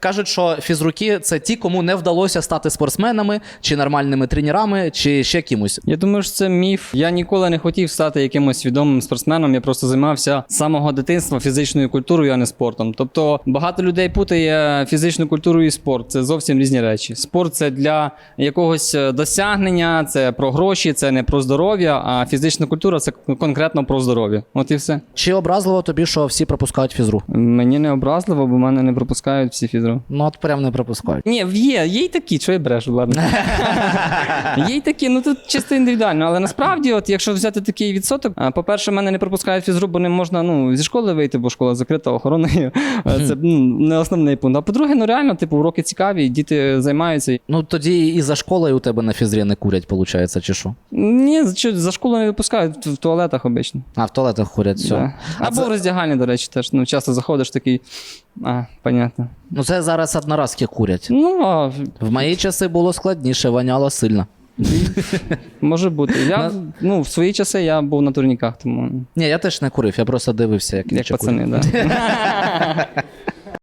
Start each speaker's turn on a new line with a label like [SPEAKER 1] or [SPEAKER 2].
[SPEAKER 1] Кажуть, що фізруки – це ті, кому не вдалося стати спортсменами, чи нормальними тренерами, чи ще кимось.
[SPEAKER 2] Я думаю, що це міф. Я ніколи не хотів стати якимось відомим спортсменом, я просто займався з самого дитинства фізичною культурою, а не спортом. Тобто багато людей путає фізичну культуру і спорт. Це зовсім різні речі. Спорт – це для якогось досягнення, це про гроші, це не про здоров'я, а фізична культура – це конкретно про здоров'я. От і все.
[SPEAKER 1] Чи образливо тобі, що всі пропускають фізру?
[SPEAKER 2] Мені не образливо, бо мене не пропускають всі фізру.
[SPEAKER 1] Ну, от прям не пропускають.
[SPEAKER 2] Ні, є й такі, що я брешу, ладно. Є й такі, ну тут чисто індивідуально, але насправді, от якщо взяти такий відсоток, по-перше, мене не пропускають фізру, бо не можна, зі школи вийти, бо школа закрита охороною. Це не основний пункт. А по-друге, реально, уроки цікаві, діти займаються.
[SPEAKER 1] Ну, тоді і за школою у тебе на фізрі не курять, виходить, чи що?
[SPEAKER 2] Ні, за школу не випускають, в туалетах обично.
[SPEAKER 1] А, в туалетах курять, все.
[SPEAKER 2] Да. Або в роздягальні, до речі, теж. Часто заходиш такий, понятно.
[SPEAKER 1] Ну, це зараз одноразки курять.
[SPEAKER 2] Ну,
[SPEAKER 1] В мої часи було складніше, воняло сильно.
[SPEAKER 2] може бути. В свої часи я був на турніках, тому...
[SPEAKER 1] Ні, я теж не курив, я просто дивився, як
[SPEAKER 2] Як
[SPEAKER 1] інші
[SPEAKER 2] пацани,
[SPEAKER 1] курять.
[SPEAKER 2] так. Да.